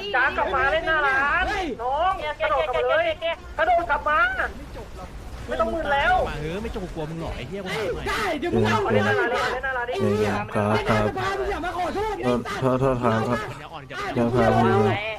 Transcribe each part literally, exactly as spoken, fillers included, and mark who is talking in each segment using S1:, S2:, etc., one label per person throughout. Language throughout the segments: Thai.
S1: จ้ากลับมาเล่นหน้าร้านน้องกระโดดกลับมาเลยกระโดดกลับมาไม่ต้องมึนแล้ว
S2: มาเออไม่จงกลัวมึงหรอไอ้เหี้ยกูถามหน่อย
S3: ได้เดี๋ยวมึงเอา
S1: เล่นหน้าร้านเล่นหน้าร้านดิ
S4: ครับครับ
S3: อย่ามาขอโทษ
S4: โทษโทษครับครับ
S2: อ่อนจะ
S4: ยังครับพี่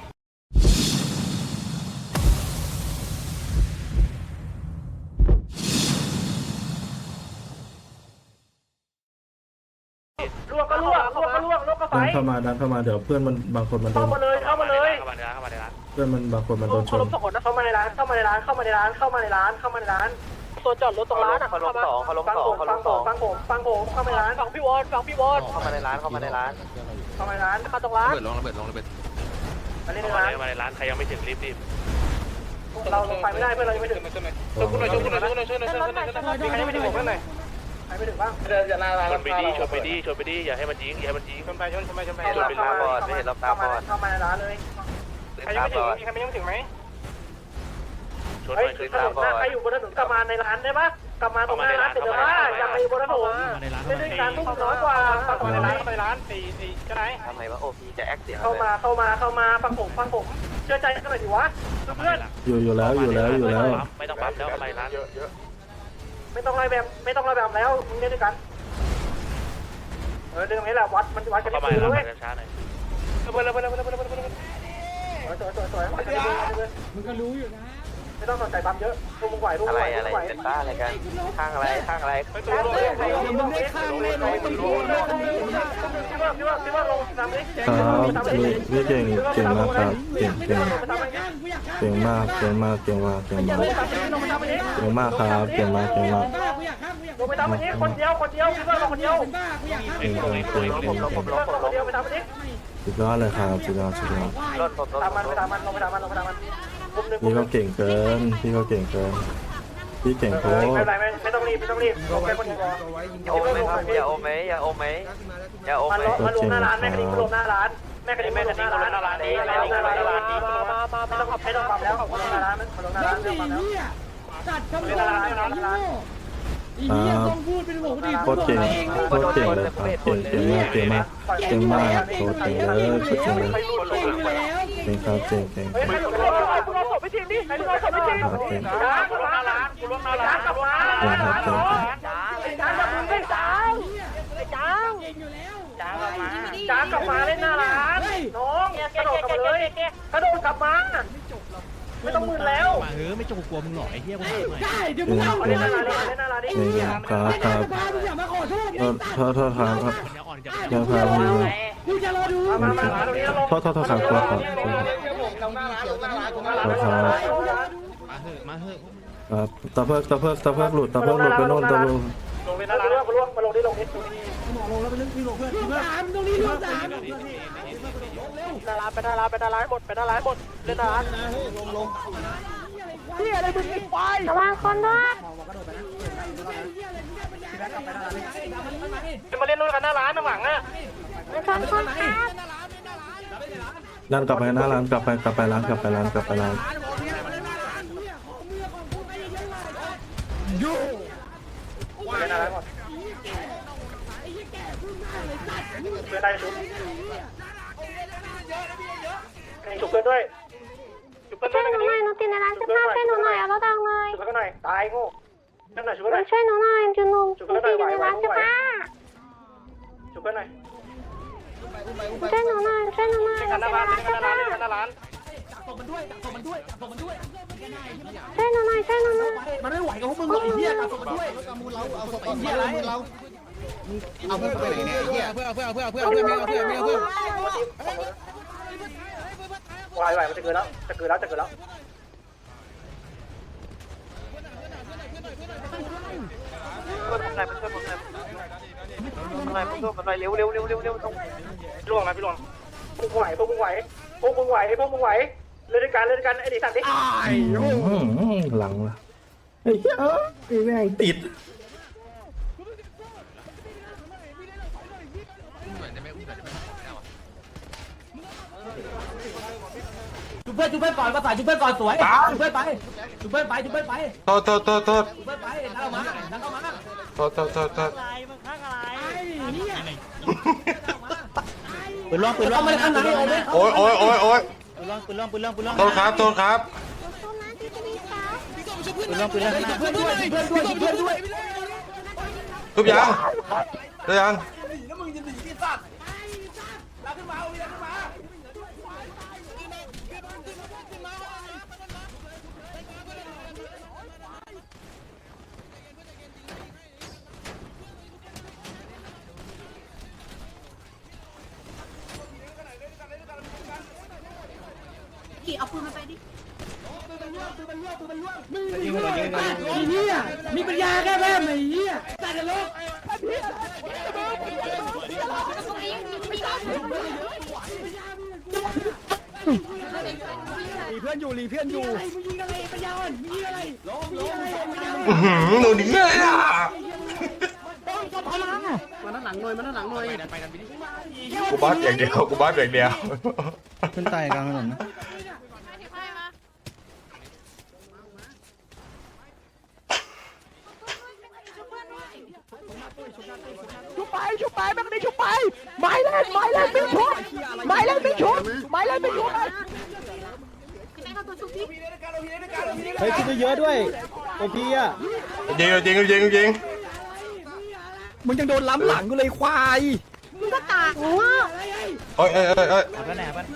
S1: ลวกก็ลวกลวกก็ลวกลวกก็ไฟ
S4: ดันเข้ามาดันเข้ามาเดี๋ยวเพื่อนมันบางคนมันโด
S1: เข้าน มาเลยเข้ามาเลยเข้ามาในร้านเข้ามาในร้าน
S4: เพื่อนมันบางคนมันโดนชน
S1: เข้าเข้ามาในร้านเข้ามาในร้านเข้ามาในร้านเข้ามาในร้านเข้ามาในร้านตัวจอดรถตรงร้านอ่ะเขาลงสองเขาลงสองเขาลงสองฟังผมฟังผมเข้ามาในร้านฟังพี่วอนฟังพี่วอนเข้ามาในร้านเข้ามาในร้านเข้ามาในร้านมาตรงร้าน
S5: ระเบิดลงระเบิดลงระเบิด
S1: มาเล่นในร้านมาในร้านใครยังไม่ถึงรีบรีบเราลงไปไม่ได้เพื่อนเรายังไม่ถึงช่วยคุณหน่อยช่วยคุณหน่อยช่วยคุณหน่อยช่วยคุณหน่อยช่วยคุณหน่อยใครยังไม่ถึงผมเพื่อนหน่อยใครไม่ถึงบ้างเดินจะหน้าร้านชนไปดิชนไปดิชนไปดิอย่าให้มันยิงอย่าให้มันยิงชนไปชนชนไปชนไปชนไปตาบอดไม่เห็นเราตาบอดเข้ามาในร้านเลยใครยังไม่ถึงมีใครยังไม่ถึงไหมชนไปชนตาบอดใครอยู่บนถนนกลับมาในร้านได้ปะกลับมาตรงหน้าร้านเสร็จแล้วว่าอย่าไปบนถนนเล่นด้วยกันทุกน้อยกว่าเข้ามาในร้านเข้ามาในร้านสี่สี่ก็ได้ทำไมวะโอพีจะแอคเสียเข้ามาเข้ามาเข้ามาฟังผมฟังผมเชื่อใจกันหน่อยดิวะเพื่อน
S4: อยู่อยู่แล้วอยู่แล้วอยู่แล้ว
S2: ไม่ต้องปั๊มแล้วอะไรร้านเยอะเยอะ
S1: ไม่ต้องไล่แบบไม่ต้องไล่แบบแล้วมึงเล่นด้วยกันเออเรื่องนี้แหละวัดมันวัดกันที่ปืนเลยช้าหน่อยเปิดเลยเปิดเลยเปิดเลยเปิดเลยเปิดเลยสวยสวยสวยมึงก็รู้อยู่นะไม่ต้องสนใจปั๊มเยอะพวกมึงไหวพวกมึงไหวอะไรอะไรเป็นบ้าอะไรกันข้างอะไรข้างอะไรไปตัวลงเลยมึงได้ข้างเลยมึงลงเลยคิดว่าคิดว่าคิดว่าลงทำดิ
S4: ครับพี่เก่งเก่งมากครับเก่งเก่งเก่งมากเก่งมากเก่งมากเก่งมากเก่งมากครับเก่งมากเก่งมาก
S1: ลงไปทำอันนี้คนเดียวคนเดียวคิดว่าลงคนเดียว
S4: เก่งเก่งเก่งเก่งเก่ง
S1: คนเดียวไปทำอันนี้
S4: สุดยอดเลยครับสุดยอดสุดยอด
S1: ตามมันไปตามมันลงไปตามมันลงไปตามมัน
S4: พี่ก็เก่งเกินพี่ก็เก่งเกินพี่เก่งโคตร
S1: ไม่เป็นไรไม่ไม่ต้องรีบไม่ต้องรีบลงไปคนเดียวอย่าอมไหมครับอย่าอมไหมอย่าอมไหมอย่าอมไหมมาลงหน้าร้านแม่คดีลงหน้าร้านแม่คดีแม่คดีลงหน้าร้านนี้ลงหน้าร้านนี้มามามาไม่ต้องขับไม่ต้องขับแล้วลงหน้าร้านลงหน้าร้านลงหน้าร้าน
S3: จัดคำสั่งร้านอีเหี้ยต้องพูดเป็นหัวดี
S4: โคตรเก่งโคตรเก่งเลยครับเก่งเก่งมากเก่งมากเก่งมากโคตรเก่งเลยโคตรเก่งเลยเก่งครับเก่งเก่งเก่ง
S1: เฮ้ยคุณเอาศพไปทิ้งดิคุณเอาศพไปทิ้งจ้าคุณลงหน้าร้านคุณลงหน้าร้านกลับมาจ้าจ้าจะมึงไม่จ้าจ้าจ้ากลับมาจ้ากลับมาเล่นหน้าร้านน้องกระโดดกลับมาเลยกระโดดกลับมาไม่ต้องมึนแล้ว
S2: มาเออไม่จงกลัวมึงหรอไอ้เหี้ยกูถามหน่อย
S3: ได้เดี๋ยวมึงเอาเล่นหน้าร้านเล่นหน้าร้านดิ
S4: ครับครับ
S3: อย่ามาขอโทษ
S4: โทษโทษครับครับ
S2: อ่อนจะ
S4: ยังครับพี่
S3: กูจะรอดู
S1: มามามาตรงนี้ลง
S4: โทษโทษโทษครับครับครับครับ
S2: มาเถอะมาเถอะ
S4: ครับตะเพิกตะเพิกตะเพิกหลุดตะเพิกหลุดไปโน่นตะเพิก
S1: ลงไปหน้าร้านมาลงมาลงที่ลงที่ตรงนี้
S3: หมอลงแล้วไปเรื่องที่ลงเพื่อนลูกสามตรงนี้ลูกสาม
S1: หน้าร้านไปหน้าร้านไปหน้าร้านหมดไปหน้าร้านหมดเล่นหน้าร้านลงลงเฮียอะไรมึงไอ้ควาย
S6: ระวังคนด้วย
S1: มาเล่นนู่นกันหน้าร้านน้ำหลังอ่ะ
S6: เป็นคนคนครับ
S4: ร้านกลับไปหน้าร้านกลับไปกลับไปร้านกลับไปร้านกลับไปร้าน
S1: ยูไปหน้าร้านหมดเพื่อนได้ชุบชุบเพื่อนด้วยชุบเพื่อนด้วย
S6: ช่วยหนูหน่อยหนูติดในร้านเสื้อผ้าช่วยหนูหน่อยเอารถดังเลย
S1: ชุบเพื่อนหน่อยตายโง่นั่นหน่อยชุบเพื่อนหน่อย
S6: ช่วยหนูหน่อยจุนุ่มหนูติดอยู่ในร้านเสื้อผ้า
S1: ชุบเพื่อนหน่อย
S6: ช่วยหนูหน่อยช่วยหนูหน่อย
S1: เล่นกันหน้าร้านเล่นกันหน้าร้านเล่นกันหน้าร้าน
S3: ส่งมันด้วยส่งมันด้วยส่งมันด้วย
S6: ช่วยหนูหน่อยช่วยหนูหน่อย
S3: มันไม่ไหวกับพวกมึงหรอกไอ้เหี้ยส่งมันด้วยเอามูลเราเอาส่งไอ้เหี้ยอะไรเราเอาเพื่อนไปไหนเนี่ยไอ้เหี้ยเพื่อนเพื่อนเพื่อนเพื่อนเพื่อนเพื่อนเพื่อนเพื่อนเพื่อน
S1: ไหวไหวมันจะเกินแล้วจะเกินแล้วจะเกินแล้วทำไรมาช่วยผมหน่อยทำไรมาช่วยผมหน่อยเร็วเร็วเร็วเร็วเร็วต้องล่วงนะพี่ล่วงพวกมึงไหวพวกมึงไหวพวกมึงไหวพวกมึงไหวเล่นด้วยกันเล่นด้วยกันไอ้ดิสันดิ
S4: หลังละไอ้เหี้ยไอ้แม่งติด
S3: จุ๊บเพื่อนจุ๊บเพื่อนก่อนภาษาจุ๊บเพื่อนก่อนสวยจุ๊บเพื่อนไปจุ๊บเพื่อนไปจุ๊บเพื่อนไป
S4: โทษโทษโทษโทษ
S3: จุ๊บเพื่อนไปนั่งมานั่งเข้ามา
S4: โทษโทษโทษโทษ
S3: อะไรมึงข้างอะไรเนี่ยปืนล็อกปืนล็อกไม่ได้ข้างไหน
S4: โอ้ยโอ้ยโอ้ยโอ้ย
S3: ปืนล่วงปืนล่วงปืนล่วงปืนล่วง
S4: โทษครับโทษครับ
S6: สู้นะที่จะมีสาว
S3: ปืนล่วงปืนล่วงเพื่อนด้วยเพื่อนด้วยเพื่อนด้วย
S4: ทุบยังทุบยัง
S6: กี่เอาปืนมาไปดิ
S3: ยิงมันยิงมันไอ้เหี้ยมีปัญญาแค่แม่ไอ้เหี้ยตายจะลบรีเพื่อนอยู่รีเพื่อนอยู่มึงยิงอะไรปัญญาอ่อนมึงยิงอะไรล้มล้มปัญญา
S4: อื้อหือหนูหนีเลยอ่ะ
S3: มาด้านหลังหน่อยมาด้านหลังหน่อย
S4: กูบัสอย่างเดียวกูบัสอย่างเดียว
S3: ขึ้นตายกลางถนนนะ
S5: ชุบไปชุบไปแม่งนี่ชุบไปไม้เล่นไม้เล่นไม่ชุบไม้เล่นไม่ชุบไม้เล่นไม่ชุบ
S3: เฮ้ยขึ้นเยอะด้วยโอพีอ่ะ
S4: ยิงจริงจริงจริง
S5: มึงยังโดนล้ำหลังกูเลยควาย
S6: มึงก็ตากหัว
S4: เอ้ยเอ้ยเอ้ยเอ้ย
S3: แล้วแหนบ้าน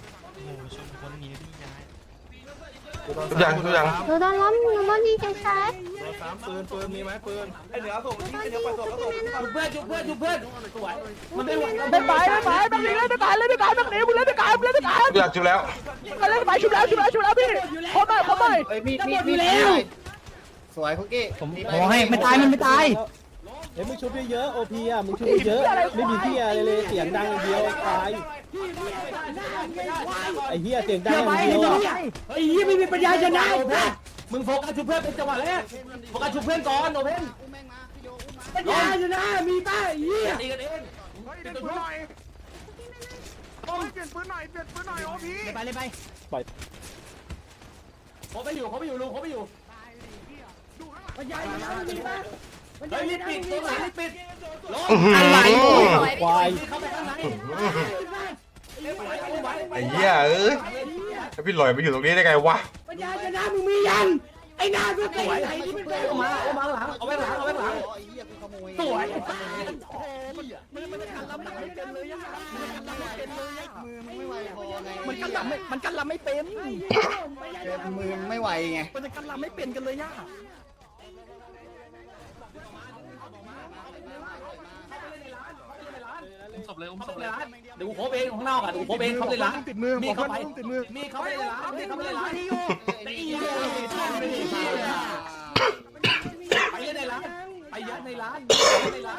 S4: ทุบยังทุบยัง
S6: หนูโดนล้มหนูโดนยิงเฉย
S3: ปืนปืนมีไหมปืน
S6: ๆหนูโดนยิงเฉย
S3: จุบเพื่อนจุบเพื่อนจุบเพื่อนมันไม่ไหว
S5: ไม่ไปไม่ไปแม่งนี่เล่นด้วยกันเล่นด้วยกันแม่งนี่มึงเล่นด้วยกันมึงเล่นด้วยกัน
S4: ทุบยังทุบแล้ว
S5: มาเล่นไปชุบแล้วชุบแล้วชุบแล้วพี่ขอหน่อยขอหน่อย
S3: เฮ้ยมีมีมีแล้วสวยคุกกี้ผมขอให้ไม่ตายมันไม่ตาย
S7: เฮ้ยมึงชุบเยอะๆโอพีอ่ะมึงชุบเยอะไม่มีที่อะไรเลยเสียงดังอย่างเดียวตายไอ้เหี้ยเสียงดังอย่างเดียว
S3: ไอ้ยี่ไม่มีปัญญาชนะมึงโฟกัสชุบเพื่อนเป็นจังหวะแรกโฟกัสชุบเพื่อนก่อนโอเพนปัญญาชนะมีป้าไอ้ยี่ตีกันเอง
S5: เปลี่ยนปืนหน่อยเปลี่ยนปืนหน่อยเปลี่ยนปืนหน่อยโอ้พี่
S3: ไปเลยไป
S7: ปล่อย
S3: เขาไปอยู่เขาไปอยู่ลุงเขาไปอยู่ปัญญาชนะมีป้าเฮ้ยรีบปิดตัวไหนรีบปิด
S4: อะไร
S7: ควาย
S3: เข้าไปข้างใน
S4: ไอ้เหี้ยเอ้ยพี่หลอยมาอยู่ตรงนี้ได้ไงวะ
S3: ปัญญาชนะมึงมียังไอ้นาสุดไหนที่มันเป็นมาเอามาหลังเอาไว้หลังเอาไว้หลังสวยมันกันลำไม่มันกันลำไม่เป็นมือไม่ไหวไงมันจะกันลำไม่เป็นกันเลยย่าศพเลยศพเลยร้านเดี๋ยวกูโคบเองข้างนอกอ่ะเดี๋ยวกูโคบเองเขาเลยร้านติดมือมีเข้าไปติดมือมีเข้าไปเลยร้านมีเข้าไปเลยร้านตีไปยัดในร้านไปยัดในร้านในร้าน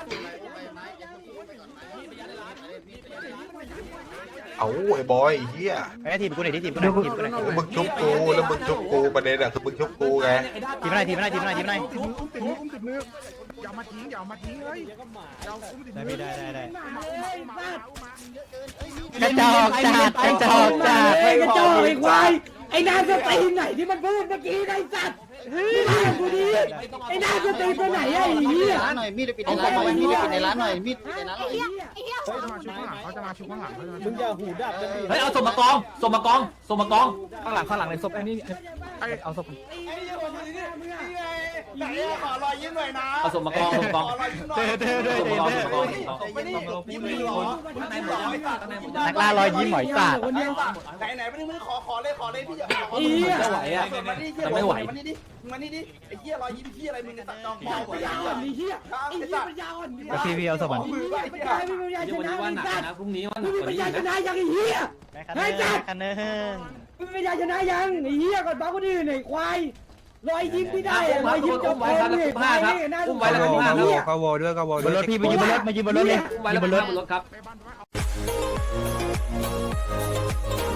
S4: เอาไอ้บอยไอ้เหี้ย
S3: ไอ้ทีมกูไหนที่ทีมกูไหนทีมกูไหน
S4: แล้วมึงชุบกูแล้วมึงชุบกูประเด็นอะคือมึงชุบกูไง
S3: ทีมไหนทีมไหนทีมไหนทีมไหน
S5: อุ้มติดมืออุ้มติดมืออย่ามาทิ้งอย่ามาทิ้งเลยเราอุ้มติดมือ
S3: ได้ได้ได้
S5: กระจอกจัดกระจอกจัด
S3: ไอ้กระจอกไอ้ควายไอ้นายจะตีไหนที่มันพูดเมื่อกี้ไอ้สัตว์ไม่ได้กูดีไอ้นายจะตีตัวไหนไอ้เหี้ย
S8: หน่อยมีดปิดในร้านหน่อยมีดปิดในร้านหน่อยมีดปิดในร้านหน่อย
S6: ไอ้เหี้ย
S5: เขาจะมาชุบข้างหลังเขาจะมาชุบข้างหลังเขาจะมา
S7: มึงอย่าหูดับกันดิ
S3: เฮ้ยเอาศพมากองศพมากองศพมากองข้างหลังข้างหลังในศพไอ้นี่เอาศพเอาศพมากองศพมากองเด้อเด้อเด้อเด้อนักล่ารอยยิ้มหมอยสัตว์
S8: ไหนไหนไม่ได้มือขอขอเลยขอเลยพี่ขอ
S3: อีจะไหวอ่ะจะไม่ไหว
S8: มานี่ดิมานี่ดิไอ้เหี้ยรอยยิ้มเหี้ยอะไรมึงเนี่ยตัดจอง
S3: ปัญญาอ่อนนี่เหี้ยไอ้เหี้ยปัญญาอ่อนก็พี่พี่เอาศพมัน
S8: มือไป
S3: ปัญญาไม่ปัญญาชนะวันหนักนะพรุ่งนี้วันหนักปัญญาชนะยังไอ้เหี้ยไอ้จัดกันเนงไม่ปัญญาชนะยังไอ้เหี้ยก่อนบ้าคนอื่นไอ้ควายรอยยิ้มไม่ได้รอยยิ้มจบไปเลยควายนี่น่าอุ้มไว้แล้วอุ้มห้าครับ
S7: ก็วอด้วยก็วอบ
S3: นรถพี่ไปยืนบนรถมายืนบนรถเลยยืนบนรถครับ